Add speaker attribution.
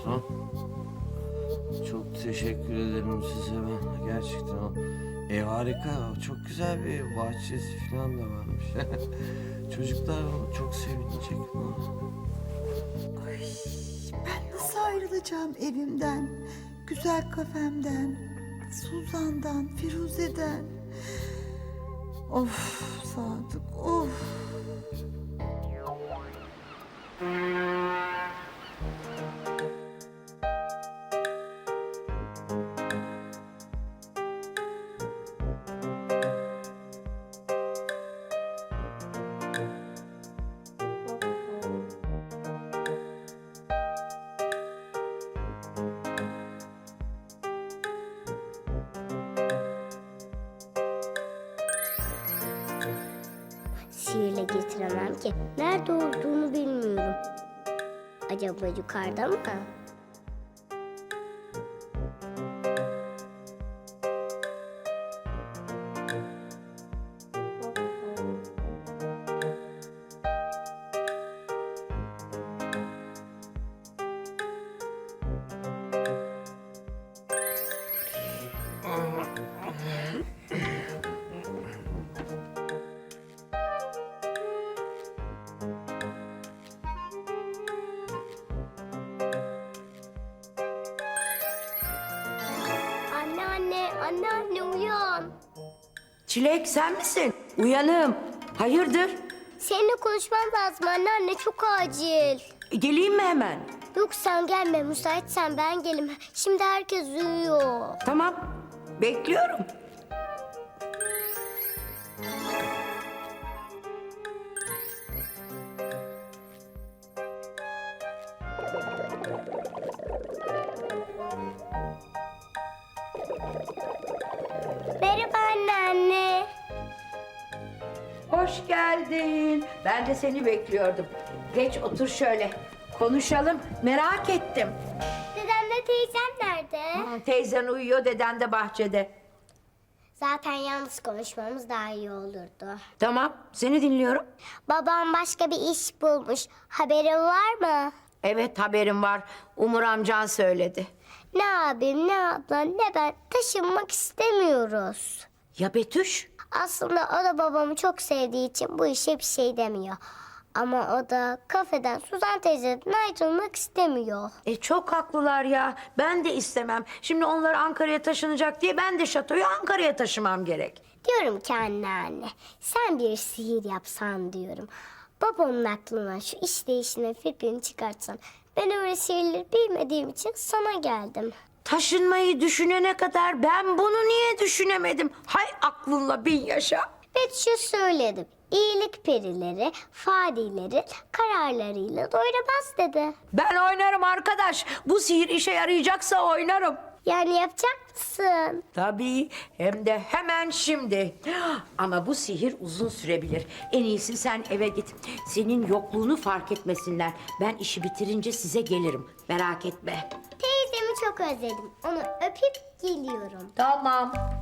Speaker 1: patron. Çok teşekkür ederim size ben. Gerçekten o ev harika. Çok güzel bir ev. Bahçesi falan da varmış. Çocuklar çok sevinecek buna.
Speaker 2: Ay, ben nasıl ayrılacağım evimden, güzel kafemden, Suzan'dan, Firuze'den. Of Sadık, of.
Speaker 3: Sihirle getiremem ki. Nerede olduğunu bilmiyorum. Acaba yukarıda mı? Anne uyan.
Speaker 4: Çilek sen misin? Uyanım. Hayırdır?
Speaker 3: Seninle konuşmam lazım anne çok acil.
Speaker 4: Geleyim mi hemen?
Speaker 3: Yok sen gelme, müsaitsen ben gelim. Şimdi herkes uyuyor.
Speaker 4: Tamam. Bekliyorum.
Speaker 3: Merhaba anne.
Speaker 4: Hoş geldin. Ben de seni bekliyordum. Geç otur şöyle. Konuşalım. Merak ettim.
Speaker 3: Dedemle teyzem nerede?
Speaker 4: Teyzen uyuyor, deden de bahçede.
Speaker 3: Zaten yalnız konuşmamız daha iyi olurdu.
Speaker 4: Tamam, seni dinliyorum.
Speaker 3: Babam başka bir iş bulmuş. Haberin var mı?
Speaker 4: Evet, haberim var. Umur amcan söyledi.
Speaker 3: Ne abim, ne ablam, ne ben taşınmak istemiyoruz.
Speaker 4: Ya Betüş?
Speaker 3: Aslında o da babamı çok sevdiği için bu işe bir şey demiyor. Ama o da kafeden Suzan teyzeden ayrılmak istemiyor.
Speaker 4: Çok haklılar ya. Ben de istemem. Şimdi onlar Ankara'ya taşınacak diye ben de şatoyu Ankara'ya taşımam gerek.
Speaker 3: Diyorum ki anne, sen bir sihir yapsan diyorum. Babamın aklına şu iş değiştirme fikrini çıkartsan. Ben öyle sihirleri bilmediğim için sana geldim.
Speaker 4: Taşınmayı düşünene kadar ben bunu niye düşünemedim? Hay aklınla bin yaşa.
Speaker 3: Betüş'e söyledim. İyilik perileri, fadileri kararlarıyla doyuramaz dedi.
Speaker 4: Ben oynarım arkadaş. Bu sihir işe yarayacaksa oynarım.
Speaker 3: Yani yapacak mısın?
Speaker 4: Tabii, hem de hemen şimdi. Ama bu sihir uzun sürebilir. En iyisi sen eve git. Senin yokluğunu fark etmesinler. Ben işi bitirince size gelirim. Merak etme.
Speaker 3: Teyzemi çok özledim. Onu öpüp geliyorum.
Speaker 4: Tamam.